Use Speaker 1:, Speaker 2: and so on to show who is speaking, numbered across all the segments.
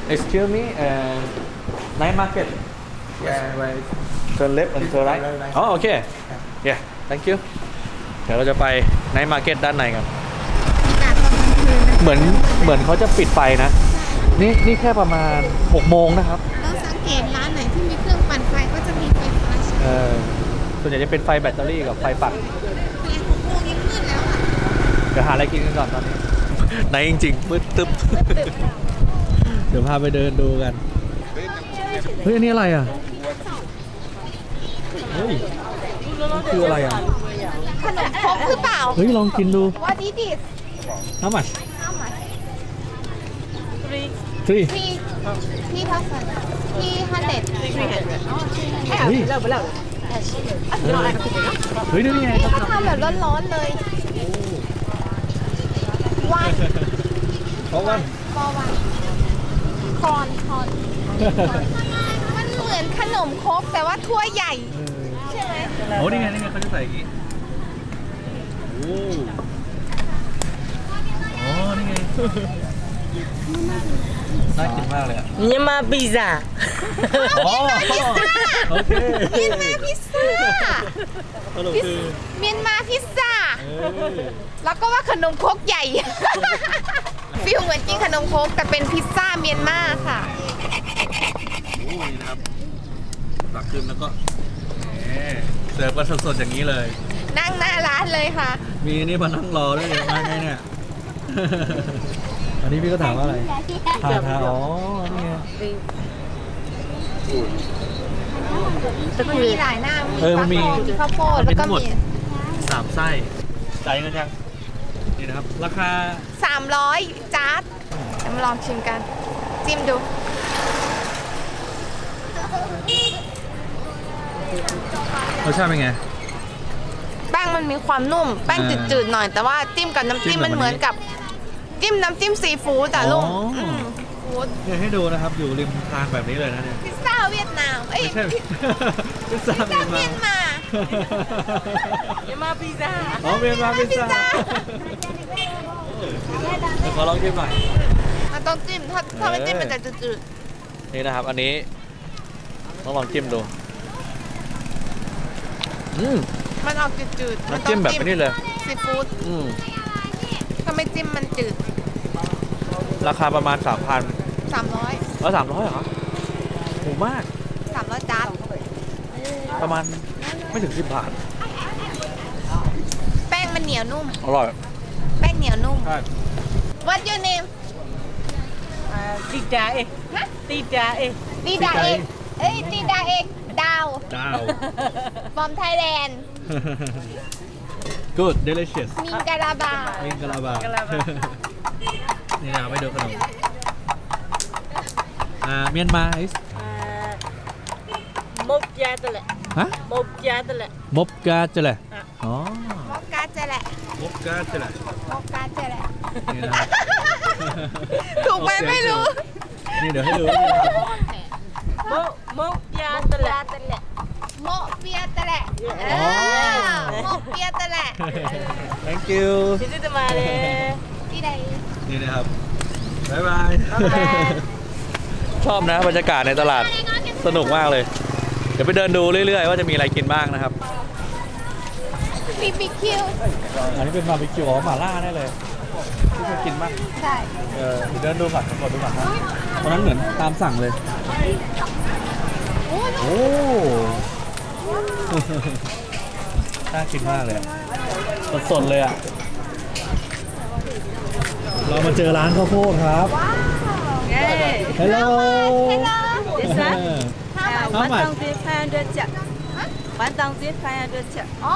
Speaker 1: Excuse me night market where turn left and turn right อ๋อโอเค yeah thank you เดี๋ยวเราจะไป night market ด้านในกันเหมือนเขาจะปิดไฟนะนี่แค่ประมาณ6 โมงนะครับ
Speaker 2: เราสังเกตร้านไหนที่มีเครื่องปั่นไฟก็จะมีไฟฟ้าใช้
Speaker 1: ส่วนใหญ่จะเป็นไฟแบตเตอรี่กับไฟปั่น
Speaker 2: แต่6 โมงยังมืดแล้วอ่ะ
Speaker 1: เดี๋ยวหาอะไรกินกันก่อนตอนนี้ไหนจริงๆมืดตึ๊บเดี๋ยวพาไปเดินดูกันเฮ้ยอันนี้อะไรอ่ะเฮ้ยนี่คืออะไรอ่ะ
Speaker 2: ขนมครกหรือเปล่า
Speaker 1: เฮ้ยลองกินดู
Speaker 2: What is it
Speaker 1: How much
Speaker 2: 3,000
Speaker 1: 3
Speaker 2: เฮ้ย
Speaker 1: เฮ้ยดูนี่ไง
Speaker 2: เขาทำแบบร้อนๆเลยวัน
Speaker 1: เพราะว่า
Speaker 2: ฟอวันคอนมันเหมือนขนมครกแต่ว่าถ้วยใหญ่ใช่ไหม
Speaker 1: โอ้นี่ไงเขาจะใส่อย่างนี้โอ้นี่ไงน่ากินมากเลยอ่ะ
Speaker 3: မြန်မာပီဇာ
Speaker 1: อ๋อโอเค
Speaker 2: เมียนมาพิซซ่าเมียนมาพิซซ่าแล้วก็ว่าขนมครกใหญ่ฟิลเหมือนกินขนมครกแต่เป็นพิซซ่าเมียนมาค่ะ
Speaker 1: นี่นะครับตักขึ้นแล้วก็เสิร์ฟกันสดๆอย่างนี้เลย
Speaker 2: นั่งหน้าร้านเลยค่ะ
Speaker 1: มีนี่มานั่งรอด้วยมาไงเนี่ยอันนี้พี่ก็ถามว่าอะไรทาอ๋อนี่ไง
Speaker 2: มันมีหลายหน้า
Speaker 1: มันมี
Speaker 2: ข้าวโพดแล้วก็มี
Speaker 1: 3 ไส้จ่ายเงินยังนี่นะครับราคา
Speaker 2: 300จาร์ดจะมาลองชิมกันจิ้มดู
Speaker 1: รสชาติเป็นไง
Speaker 2: แป้งมันมีความนุ่มแป้งจืดๆหน่อยแต่ว่าจิ้มกับน้ำจิ้มมันเหมือนกับจิ้มน้ำจิ้มซีฟู้ดแต่ลุงฟู้ด
Speaker 1: เนี่ยให้ดูนะครับอยู่ริมทางแบบนี้เลยนะเนี่ย
Speaker 2: พิซซ่าเวียดนาม
Speaker 1: ไม่ใช่พิซซ่า
Speaker 2: เมียนมา
Speaker 3: မြန်မာပီဇာ
Speaker 1: อ๋อเมียนมาพิซซ่าขอลองชิมหน่อย
Speaker 2: มันต้องจิ้มถ้าไม่จิ้มมันจะจืด
Speaker 1: ๆนี่นะครับอันนี้ต้องลองจิ้มดู
Speaker 2: มันออกจืด
Speaker 1: ๆน้ำจิ้มแบบนี้เลย
Speaker 2: ซีฟู้ดถ้าไม่จิ้มมันจืด
Speaker 1: ราคาประมาณ 3,000
Speaker 2: 300
Speaker 1: แล้ว300เหรอถูกมาก
Speaker 2: 300จาน
Speaker 1: ประมาณไม่ถึง10 บาท
Speaker 2: แป้งมันเหนียวนุ่ม
Speaker 1: อร่อย
Speaker 2: แป้งเหนียวนุ่ม
Speaker 1: ใช่
Speaker 2: What's your name
Speaker 3: တီတာအေးတီတာအေး
Speaker 2: ตีดาเอกตีดาเอกดาว from Thailand
Speaker 1: Good delicious
Speaker 2: มิงกะลาบา
Speaker 1: นี่นะครับไปดูขนมเมียนมา
Speaker 3: មុខយ៉ាតល
Speaker 1: ฮะ
Speaker 3: មុខយ៉ាតល
Speaker 1: มบกาจะแหละอ๋อ
Speaker 2: มกกาจะแหละ
Speaker 1: มบกาจะแหละนี่นะ
Speaker 2: ถูกไหมไม่รู้
Speaker 1: นี่เดี๋ยวให้ดู
Speaker 3: មុខយ៉ាតល
Speaker 2: โมเปียตะแหละโมเปียตะแหละ
Speaker 1: Thank you
Speaker 3: ကျေးဇူးတင်ပါတယ်
Speaker 2: ที่ใด
Speaker 1: นี่นะครับบ๊ายบายชอบนะบรรยากาศในตลาดสนุกมากเลยเดี๋ยวไปเดินดูเรื่อยๆว่าจะมีอะไรกินบ้างนะครับ
Speaker 2: บีบีคิว
Speaker 1: อันนี้เป็นบาร์บีคิวหม่าล่าได้เลยที่เคยกินบ้าง
Speaker 2: ใช่
Speaker 1: เดินดูก่อนกดดูก่อนนะตอนนั้นเหมือนตามสั่งเลยโอ้น่ากินมากเลยสดๆเลยอ่ะเรามาเจอร้านข้าวโพดครับHello
Speaker 3: How much 1,500
Speaker 2: อ๋อ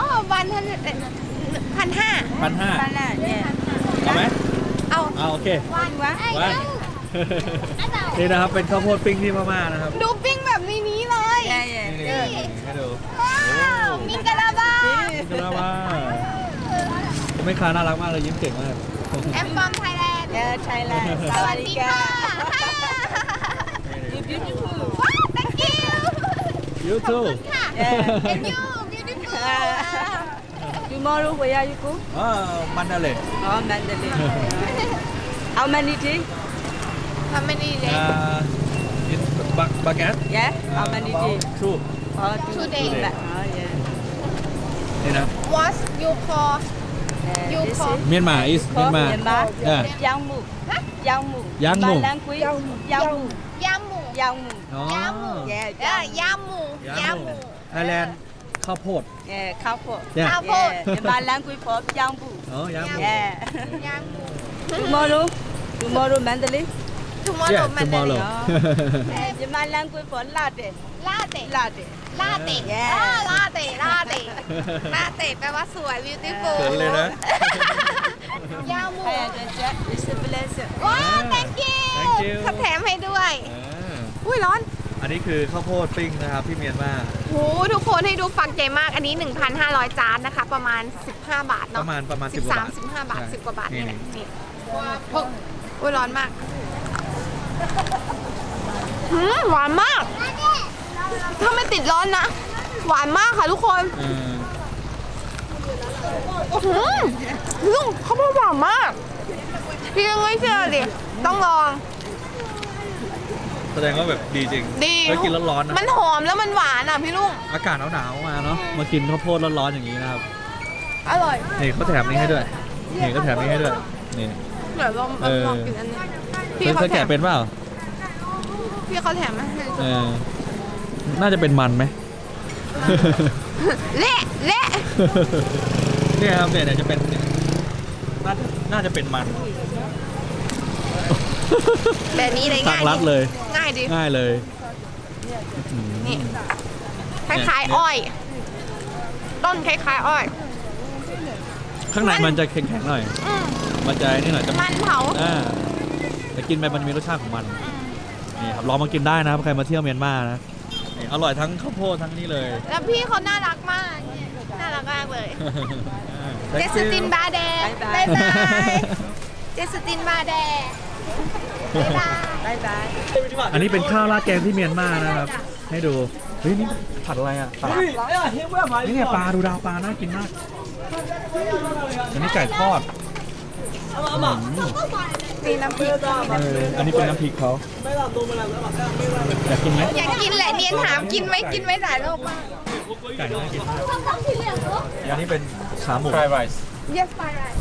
Speaker 2: 1,500
Speaker 1: เอาไหมเอาโอเควันนี่นะครับเป็นข้าวโพดปิ้งที่พม่านะครับ
Speaker 2: ดูปิ้งแบบนี้เลย
Speaker 1: นี่ให้ดู
Speaker 2: มิงกะลาบา
Speaker 1: แม่ค้าน่ารักมากเลยยิ้มเก่งมาก
Speaker 2: I'm from Thailand
Speaker 3: ไทยแลนด์
Speaker 2: สวัสดีค่ะ Thank you
Speaker 1: You too
Speaker 2: And you beautiful
Speaker 3: Tomorrow where are you go
Speaker 1: Mandalay
Speaker 3: Mandalay How many days
Speaker 2: How many days?
Speaker 1: In Bagat
Speaker 3: Yeah, how many days?
Speaker 1: two
Speaker 3: Oh,
Speaker 2: 2 days.
Speaker 3: Oh, yeah.
Speaker 1: นี่นะ
Speaker 2: What you call You
Speaker 3: This
Speaker 2: call
Speaker 3: is
Speaker 1: เมียนมา is เมียนมา
Speaker 3: Myanmar.
Speaker 1: Yeah.
Speaker 3: Yang Mu. Yang Mu.
Speaker 1: Yang Mu.
Speaker 3: My language. Yang Mu.
Speaker 2: ยำหมู
Speaker 3: Yang Mu.
Speaker 1: อ๋อย
Speaker 2: ำหมู
Speaker 3: Yeah,
Speaker 2: ยำหมูยำหมู
Speaker 1: ไทยแลนด์ข้าวโพด
Speaker 3: Yeah, couple.
Speaker 1: เนี่ย
Speaker 2: ข้าวโพด
Speaker 3: Yeah, my language for Yang Mu.
Speaker 1: อ๋อยำหมู
Speaker 3: Yeah.
Speaker 2: ยำหมู
Speaker 3: Tomorrow Mandalay.
Speaker 2: tomorrow มันจะ
Speaker 1: tomorrow
Speaker 3: Yeah, my language for latte.
Speaker 2: ลาเต้
Speaker 3: Latte.
Speaker 2: ลาเต้
Speaker 3: Yeah.
Speaker 2: ลาเต้ลาเต้ลาเต้แปลว่าสวย beautiful
Speaker 1: เขินเลยนะ
Speaker 2: ยำหมู
Speaker 3: Hi, Jack. It's a blessing.
Speaker 2: ว้าว thank you
Speaker 1: Thank you
Speaker 2: เขาแถมให้ด้วย
Speaker 1: อ่า
Speaker 2: อุ้ยร้อน
Speaker 1: อันนี้คือข้าวโพดปิ้งนะครับที่เมียนมา
Speaker 2: โหทุกคนให้ดูฟังใจมาก อันนี้ 1,500 จานนะคะ ประมาณ 15 บาท
Speaker 1: ป
Speaker 2: เนาะ
Speaker 1: ระมาณ10 กว่าบาท
Speaker 2: 13 15 บาท
Speaker 1: ใช่
Speaker 2: 10 กว่าบาทนี่แหละ
Speaker 1: นี่
Speaker 2: นี่โอ้ยร้อนมากหวานมาก ถ้าไม่ติดร้อนนะ หวานมากค่ะทุกคน ลุงเขาพูดหวานมาก พี่ยังไม่เชื่อดิ ต้องลอง
Speaker 1: แสดงว่าแบบดีจริง
Speaker 2: ดี
Speaker 1: แล้วกินร้อนๆนะ
Speaker 2: มันหอมแล้วมันหวานอ่ะพี่ลุง
Speaker 1: อากาศหนาวๆมาเนาะมากินข้าวโพดร้อนๆอย่างนี้นะครับ
Speaker 2: อร่อย
Speaker 1: นี่เขาแถมนี่ให้ด้วยนี่เขาแถมนี่ให้ด้วยนี่
Speaker 2: เดี๋ยวลองกินอันนี้พี่
Speaker 1: เค
Speaker 2: เขา
Speaker 1: ย
Speaker 2: แถ
Speaker 1: แกะ
Speaker 2: ม
Speaker 1: เป็นเปล่า
Speaker 2: พี่เขาแถมมาให้
Speaker 1: เออน่าจะเป็นมันไหม
Speaker 2: เละเละ
Speaker 1: เนี่ยครับเนี่ยจะเป็นน่าจะเป็นมัน
Speaker 2: แบบนี้เลย
Speaker 1: ตั้
Speaker 2: ง่าง ย
Speaker 1: รัดเลย
Speaker 2: ง่ายดิ
Speaker 1: ง่ายเลย
Speaker 2: นี่คล้ายๆอ้อย ต้นคล้ายๆอ้อย
Speaker 1: ข้างในมันจะแข็งๆหน่อย
Speaker 2: อืม
Speaker 1: มันจะนี่หน่อยจะ
Speaker 2: มันเผา
Speaker 1: แต่กินไปมันมีรสชาติของมันนี่ครับลองมากินได้นะครับใครมาเที่ยวเมียนมานะนี่อร่อยทั้งข้าวโพดทั้งนี้เลย
Speaker 2: แล้วพี่เขาน่ารักมาก น่ารักมากเลย เจสตินบาแดง
Speaker 3: บ๊ายบาย
Speaker 2: เจสตินบาแดงบ๊ายบาย
Speaker 3: Bye bye.
Speaker 1: อันนี้เป็นข้าวราดแกงที่เมียนมานะครับ ให้ดูเฮ้ยนี่ผัดอะไรอ่ะปลานี่เนี่ยปลาดูดาวปลาน่ากินมากอันนี้ไก่ทอด
Speaker 2: มีน้ำพริก
Speaker 1: อันนี้เป็นน้ำพริกเขาอยากกินไหม
Speaker 2: อยากกินแหละเนียนถามกินไหมกินไหมหลายรอบมาก
Speaker 1: ไก่น่ากินมากอันนี้เป็นขาหมู
Speaker 4: Fried rice.
Speaker 2: Yes fine right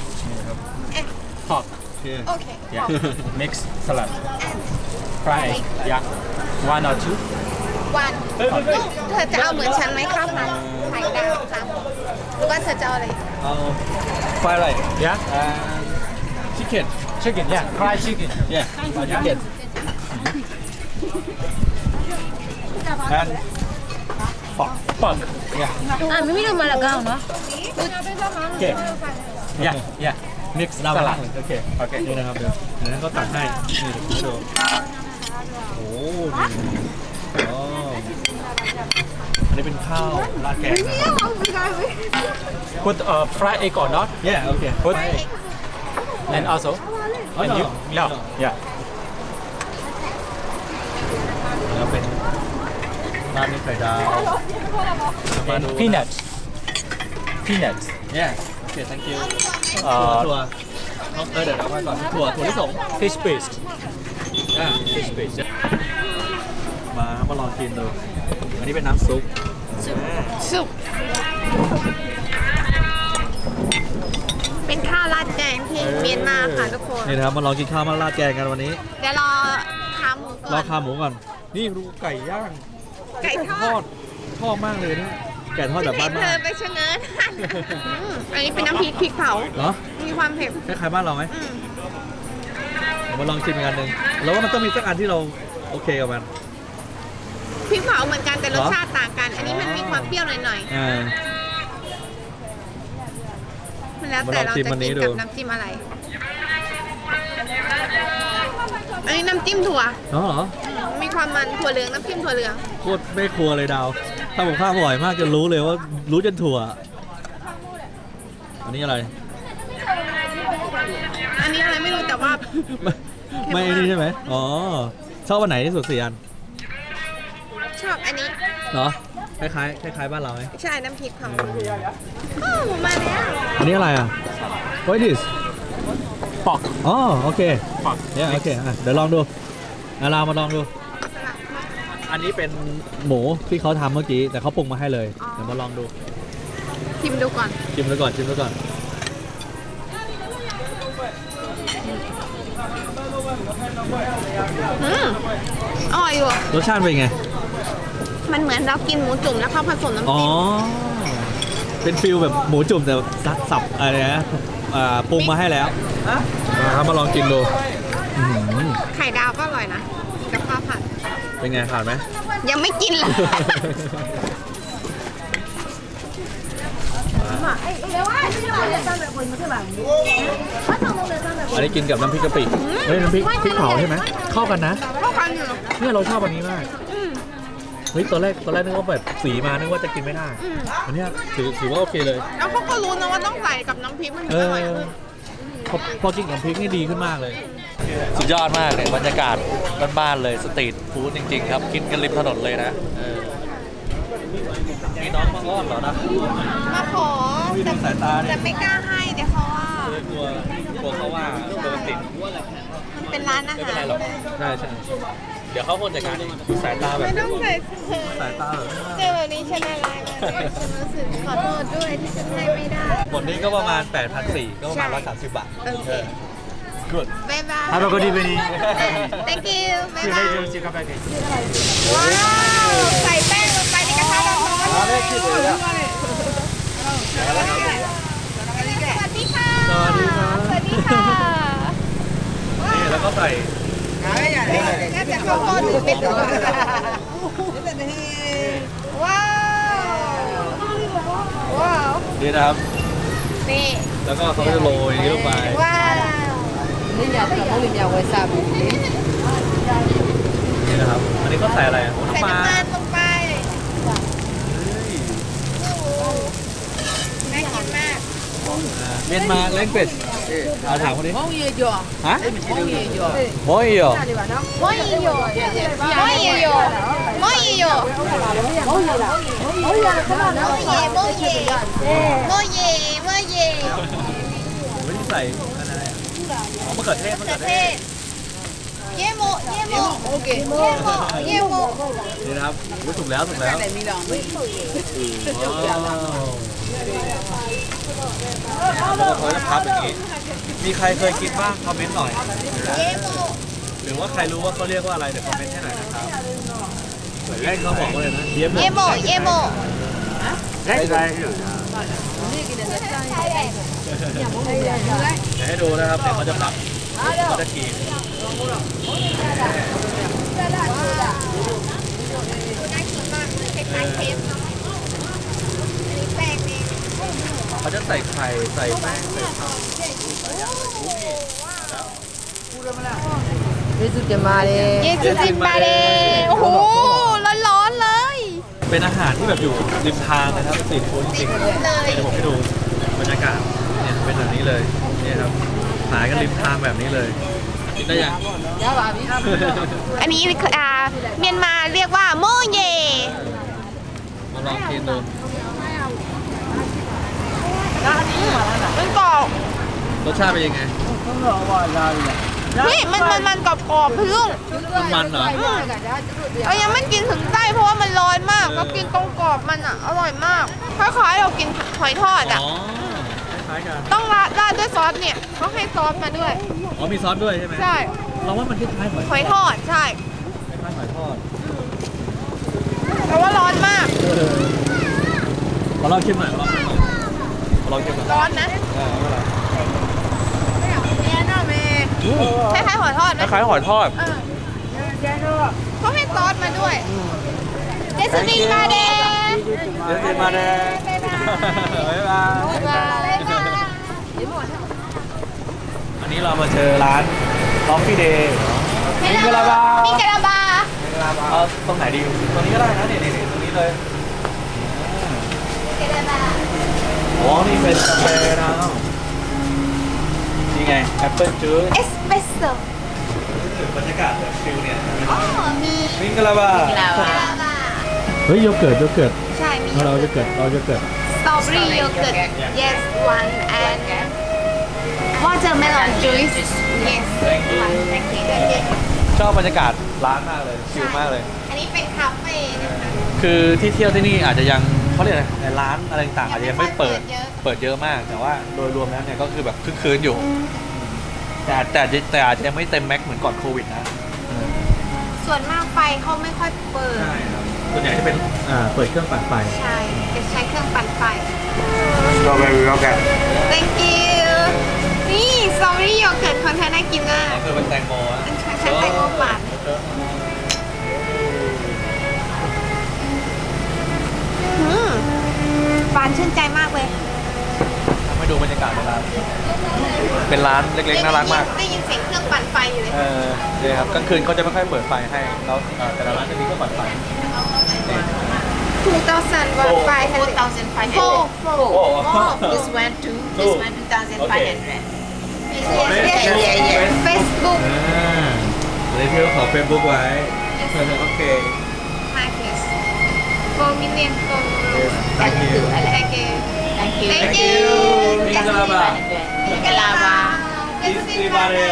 Speaker 4: Hot.
Speaker 1: โอเค
Speaker 2: Okay
Speaker 4: Yeah. Mixed salad. Fry. Yeah. One or two.
Speaker 2: วันลูกเธอจะเอาเหมือนฉันไหมข้าวผัดไข่ดาวค่ะหรือว่าเธอจะเอาอะไร
Speaker 1: เอา
Speaker 4: Fried rice. Yeah.
Speaker 1: chicken
Speaker 4: Chicken. Yeah. Fried chicken.
Speaker 1: yeah chicken and
Speaker 4: Pork. Yeah.
Speaker 3: Mimi Malagao, no?
Speaker 4: Okay. Yeah. Yeah. Mixed salad.
Speaker 1: โอเค
Speaker 4: Okay.
Speaker 1: นี่นะครับเดี๋ยวนั้นก็ตักให้นี่ดูโอ้อ๋ออันนี้เป็นข้าวราดแกงนะครับ
Speaker 4: Put fried egg or not?
Speaker 1: yeah โอเค
Speaker 4: Put. And also.
Speaker 1: Oh,
Speaker 4: And
Speaker 1: no,
Speaker 4: you.
Speaker 1: no.
Speaker 4: No. Yeah.
Speaker 1: แล้วเป็นราดด้วยไข่ดาวมา
Speaker 4: And
Speaker 1: ดู
Speaker 4: peanuts. Peanuts.
Speaker 1: yeah โอเค thank you ถั่ว
Speaker 4: Uh,
Speaker 1: เดี๋ยวเอาไว้ก่อนถั่วลิสง
Speaker 4: fish paste.
Speaker 1: อ่า
Speaker 4: Fish paste.
Speaker 1: มาลองกินดูอันนี้เป็นน้ำซุป
Speaker 2: สุกเป็นข้าวราดแกงที่เมียนมาค่ะทุกคน
Speaker 1: นี่นะครับมาลองกินข้าวมาราดแกงกันวันนี้
Speaker 2: เดี๋ยวรอขาหมูก่
Speaker 1: ร
Speaker 2: อ
Speaker 1: อน ขาหมูก่อน นี่ดูไก่ย่าง
Speaker 2: ไก่ทอด
Speaker 1: ชอบมากเลยนี่ไก่ทอดแบบ
Speaker 2: เห็
Speaker 1: บ้าน น
Speaker 2: เธอไปชะเง้ออันนี้เป็นน้ำพริกพริกเผา
Speaker 1: ๆเหรอ
Speaker 2: มีความเผ็ด
Speaker 1: คล้ายๆบ้านเราไหม
Speaker 2: อืม
Speaker 1: เดี๋ยวมาลองชิมกันหนึ่งแล้วว่ามันต้องมีสักอันที่เราโอเคกับมัน
Speaker 2: พริกเผาเหมือนกันแต่รส
Speaker 1: เหรอ
Speaker 2: ชาติต่างกัน อันนี้มันมีความเปรี้ยวหน่อย
Speaker 1: อ่า
Speaker 2: ๆมันแล้วแต่เราจะ
Speaker 1: มาลองชิมอันนี้
Speaker 2: กิน
Speaker 1: ดู
Speaker 2: กับน้ำจิ้มอะไร อันนี้น้ำจิ้มถั่ว
Speaker 1: อ๋อเหรอ
Speaker 2: มีความมันถั่วเหลืองน้ำจิ้มถั่วเหลือง
Speaker 1: โคตรไม่ครัวเลยดาวถ้าผมข้าวบ่อยมากจะรู้เลยว่ารู้จนถั่ว อันนี้อะไร
Speaker 2: อันนี้อะไรไม่รู้แต่ว่า
Speaker 1: ไม่นี่ใช่ไหมอ๋อชอบวันไหนที่สุดสี่อัน
Speaker 2: ชอบอันนี้
Speaker 1: เหรอคล้ายๆคล้ายๆบ้านเราไหม
Speaker 2: ใช่น้ำพริกเผาโอ้มาแล้ว
Speaker 1: อันนี้อะไรอ่ะ What is this
Speaker 4: pork
Speaker 1: อ๋อโอเค
Speaker 4: pork
Speaker 1: เนี่ยโอเคเดี๋ยวลองดูเรามาลองดู อันนี้เป็นหมูที่เขาทำเมื่อกี้แต่เขาปรุงมาให้เลยเดี๋ยวมาลองดู
Speaker 2: ชิมดูก่อน
Speaker 1: ชิมดูก่อนชิมดูก่อน
Speaker 2: อร่อยอยู่
Speaker 1: รสชาติเป็นไง
Speaker 2: มันเหมือนเรากินหมูจุ่มแล้วเขาผสมน้ำ
Speaker 1: อ๋อ
Speaker 2: จิ้ม
Speaker 1: เป็นฟิลแบบหมูจุ่มแต่สับอะไรนะปรุงมาให้แล้วครับมาลองกินดูอื้อหือ
Speaker 2: ไข่ดาวก็อร่อยนะกับข้าวผัด
Speaker 1: เป็นไงผ่านไหม
Speaker 2: ยังไม่กินเลย
Speaker 1: อันนี้กินกับน้ำพริกกะปิเฮ้ยน้ำพริกเผาใช่ไหมเข้ากันนะ
Speaker 2: เข้ากันอยู่
Speaker 1: เนี่ยเราชอบอันนี้มากเฮ้ยตอนแรกนึกว่าแบบสีมานึกว่าจะกินไม่ได้อันเนี้ยถือว่าโอเคเลย
Speaker 2: แล้วเขาก็รู้นะว่าต้องใส่กับน้ำพริกมันถึง
Speaker 1: เอ
Speaker 2: อ
Speaker 1: อ
Speaker 2: ร่อย
Speaker 1: พอกินกับน้ำพริกนี่ดีขึ้นมากเลย สุดยอดมากเลยบรรยากาศบ้านๆเลยสตรีทฟู้ดจริง ๆ ครับกินกันริมถนนเลยนะมีน้องมาอ้อนเหรอนะ
Speaker 2: มาขอ
Speaker 1: ไม่ดูสายตา
Speaker 2: แต่
Speaker 1: เนี่ย
Speaker 2: ไม่กล้าให้เดี๋ยวเขาว่า
Speaker 1: กลัวเขาว่าโดนติด
Speaker 2: มันเป็นร้านอา
Speaker 1: ไม่
Speaker 2: หา
Speaker 1: เป็นไร
Speaker 2: ร
Speaker 1: หรอกใช่เดี๋ยวเขาคนจัดการเองดูสายตาแบบ
Speaker 2: ไม่ต้องใส่เสื้อ
Speaker 1: สายตาแบบ
Speaker 2: เจอแบบนี้ฉันอะไรเลยฉันรู้สึกขอโทษด้วยที่ฉันให้ไม่ได้
Speaker 1: หมดนี้ก็ประมาณ 8,400 ก็ประมาณ 130 บาท
Speaker 2: โอเค
Speaker 1: good
Speaker 2: บ๊ายบาย
Speaker 4: Have a good evening
Speaker 2: thank you บ๊าย
Speaker 4: See you
Speaker 2: บาย
Speaker 4: later see you come back
Speaker 2: ว้าวใส่แป้งลงไปในกระทะร้อนๆเลยสวัสดีค่ะ
Speaker 1: สวัสดีครับ
Speaker 2: สวัสดีค่ะ
Speaker 1: นี่แล้วก็ใส่
Speaker 2: น่าจะข้าวโพดหรือเป็ดว้าวว้าว
Speaker 1: นี่นะครับ
Speaker 2: นี่
Speaker 1: แล้วก็เขาก็จะโรยนี้ลงไป
Speaker 2: ว้าว
Speaker 1: นี่นะครับ อันนี้ก็ใส่อะไรอ่ะ
Speaker 2: ใส่
Speaker 1: น้ำปลา
Speaker 2: น้ำมันลงไปน่ากินมาก
Speaker 1: เมียนมาเล้งเป็ดเอาถามคนนี้ฮะโมยโยโมยโย
Speaker 2: โมยโยโมยโยโมยโยโมเยโมเยโมเย
Speaker 1: ไม่ได้ใส่อะไรอ่ะอ๋อมะเขือเทศ
Speaker 2: มะเขือเทศเยโมเยโมโอเคเยโมเยโม
Speaker 1: นี่นะครับรู้ถูกแล้วว้าวแล้วก็เขาจะพับอย่างนี้ มีใครเคยกินบ้างคอมเมนต์หน่อย
Speaker 2: เยโม
Speaker 1: หรือว่าใครรู้ว่าเขาเรียกว่าอะไรเดี๋ยวคอมเมนต์ให้หน่อยนะครับเล่นเขาบอกว่าเลยนะเยี่ยม
Speaker 2: เยโมเยโม
Speaker 1: เดี๋ยวให้ดูนะครับเดี๋ยวเขาจะพับเขาจะขีด
Speaker 2: น่ากินมากคล้ายๆเค้กเนาะอันนี้แป้งนี่
Speaker 1: เขาจะใส่ไข่ใส่แป้งใส่ผัก
Speaker 2: เยซูจิมบาเดโอ้โหร้อนๆเลย
Speaker 1: เป็นอาหารที่แบบอยู่ริมทางนะครับสตรีทฟู้ดจริงๆ
Speaker 2: เลย
Speaker 1: เดี๋ยวผมให้ดูบรรยากาศเนี่ยเป็นแบบนี้เลยเนี่ยครับขายกันริมทางแบบนี้เลยกินได้ยัง
Speaker 2: อันนี้เมียนมาเรียกว่าโมเย
Speaker 1: มาลองกินดู
Speaker 2: มันกรอบ
Speaker 1: รสชาติเป็นยังไง
Speaker 2: นี่มันกรอบๆพึ่ง
Speaker 1: มันเหรอ
Speaker 2: เรายังไม่กินถึงไส้เพราะว่ามันร้อนมาก ก็กินตรงกรอบมันอ่ะอร่อยมากคล้ายๆเรากินหอยทอดอ่ะ
Speaker 1: อ๋อคล้ายๆกัน
Speaker 2: ต้องราดด้วยซอสเนี่ยเขาให้ซอสมาด้วย
Speaker 1: อ๋อมีซอสด้วยใช่ไหม
Speaker 2: ใช่
Speaker 1: เราว่ามันคล้ายๆหอย
Speaker 2: หอยทอดใช่
Speaker 1: คล้ายๆหอยทอด
Speaker 2: แต่ว่าร้อนมาก
Speaker 1: ขอลองชิมหน่อยขอลองชิมหน่อย
Speaker 2: ร้อนนะ
Speaker 1: ไม่เป็นไร
Speaker 2: คล้ายๆหอยทอดไหม
Speaker 1: คล้ายๆหอยทอด
Speaker 2: เขาให้ซอสมาด้วยเจสมินมาเด
Speaker 1: เดี๋ยวกินมาเลย บ๊ายบาย
Speaker 2: บ๊ายบาย
Speaker 1: อันนี้เรามาเจอร้าน Coffee Day
Speaker 2: มิกะลาบา
Speaker 1: เอาตรงไหนดี ตรงนี้ก็ได้นะนี่ตรงนี้เลย
Speaker 2: มิกะลาบา
Speaker 1: อ๋อ นี่เป็นกาแฟนะนี่ไงแอปเปิลจูส
Speaker 2: เอสเปรสโซ่
Speaker 1: ถึงบรรยากาศแบบฟิลเนี่ย
Speaker 2: อ๋อมี
Speaker 1: มิงกะลาบา
Speaker 2: มิกะลาบา
Speaker 1: เฮ้ยโยเกิร์ต
Speaker 2: ใช่มี
Speaker 1: เราจะเกิด
Speaker 2: สตรอเบอรี่โยเกิร์ต yes one and watermelon juice yes
Speaker 1: Thank you
Speaker 2: thank you thank you
Speaker 1: ชอบบรรยากาศร้านมากเลยชิลมากเลย
Speaker 2: อันนี้เป็นคาเฟ่นะคะ
Speaker 1: คือที่เที่ยวที่นี่อาจจะยังเขาเรียกอะไรในร้านอะไรต่างๆอาจจะยังไม่เปิด
Speaker 2: เยอะ
Speaker 1: เปิดเยอะมาก แต่ว่าโดยรวมแล้วเนี่ยก็คือแบบคึกคืนอยู่ แต่อาจจะยังไม่เต็มแม็กเหมือนก่อนโควิดนะ
Speaker 2: ส่วนมากไฟเขาไม่ค่อยเปิด
Speaker 1: ใช่ครับส่วนใหญ่จะเป็นเปิดเครื่องปั่นไฟ
Speaker 2: ใช่จะใช้เครื่องปั่นไฟ
Speaker 1: Strawberry yogurt
Speaker 2: thank you นี่สตรอเบอรี่โยเกิร์ตคนไทยน่ากินมาก
Speaker 1: คือเป็นแตงโมอะ
Speaker 2: ฉันแตงโมปั่นหวานชื่นใจมากเลย
Speaker 1: ทำให้ดูบรรยากาศในร้านเป็นร้านเล็กๆน่ารักมาก
Speaker 2: ได้ยินเสียงเครื่องปั่นไฟอยู่เลย
Speaker 1: เนี่ยครับกลางคืนเขาจะไม่ค่อยเปิดไฟให้แล้วแต่ละร้านจะมีเครื่องปั่นไฟ
Speaker 2: 2,000 watt 500
Speaker 3: 4,500 this one too this one 2,500
Speaker 2: yes Facebook
Speaker 1: เลยที่เราขอเฟซบุ๊กไว้โอเค
Speaker 2: Marcus 4 million followers
Speaker 1: Thank you
Speaker 2: thank you
Speaker 3: thank you
Speaker 2: thank you
Speaker 1: Ingalaba
Speaker 3: Ingalaba
Speaker 1: Istiqamah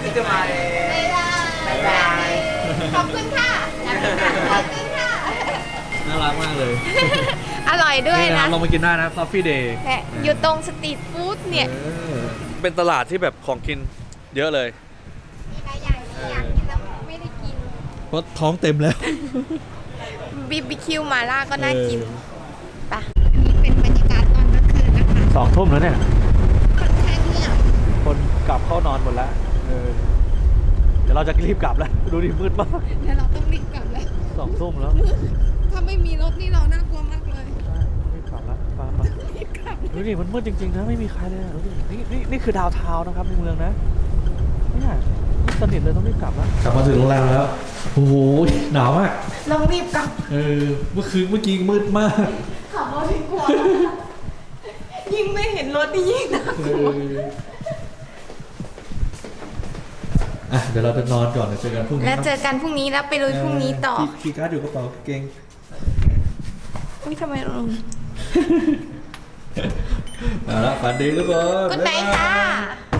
Speaker 2: บ๊ายบายขอบคุณค่ะขอบคุณค่ะ
Speaker 1: น่ารักมากเลย
Speaker 2: อร่อยด้วย
Speaker 1: นี่
Speaker 2: นะ
Speaker 1: นะลองมากินได้นะ Coffee Day
Speaker 2: และอยู่ตรงสตรีทฟู้ดเนี่ย
Speaker 1: เป็นตลาดที่แบบของกินเยอะเลย
Speaker 2: มีหลายอย่างที่อยากกินแล้วไม่ได้กิน
Speaker 1: เพราะท้องเต็มแล้ว
Speaker 2: BBQ หมาล่าก็น่ากินปะนี่เป็นบรรยากาศตอนกลางคืนนะคะ
Speaker 1: 2 ทุ่มแล้วเนี่ย
Speaker 2: ค่อนข้างเงียบ
Speaker 1: คนกลับเข้านอนหมดแล้วเดี๋ยวเราจะรีบกลับแล้ว ดูดิมืดมาก
Speaker 2: แล้วเราต้องรีบกลับแล้ว
Speaker 1: 2 ทุ่มแล้ว
Speaker 2: ถ้าไม่มีรถนี่เราน่ากลัวมากเลย
Speaker 1: รีบกลับแล้วมาดูดิมันมืดจริงๆนะไม่มีใครเลยอะดูดินี่คือดาวน์ทาวน์นะครับในเมืองนะเนี่ยมืดสนิทเลยต้องรีบกลับแล้วกลับมาถึงโรงแรมแล้วโอ้โหหนาวมาก
Speaker 2: เรารีบกลับ
Speaker 1: เมื่อกี้มืดมาก
Speaker 2: ขับรถดีกว่ายิ่งไม่เห็นรถนี่ยิ่งน่ากลัว
Speaker 1: เดี๋ยวเราจะนอนก่อนเดี๋ยวเจอกันพรุ่งนี้
Speaker 2: แล้วเจอกันพรุ่งนี้แล้วไปลุยพรุ่งนี้ต่อ
Speaker 1: คีย์การ์ดอยู่กระเป๋าเก่ง
Speaker 2: อุ้ยทำไมเรา
Speaker 1: เอาละฝันดีทุกคน
Speaker 2: กุ๊ดไนท์ค่ะ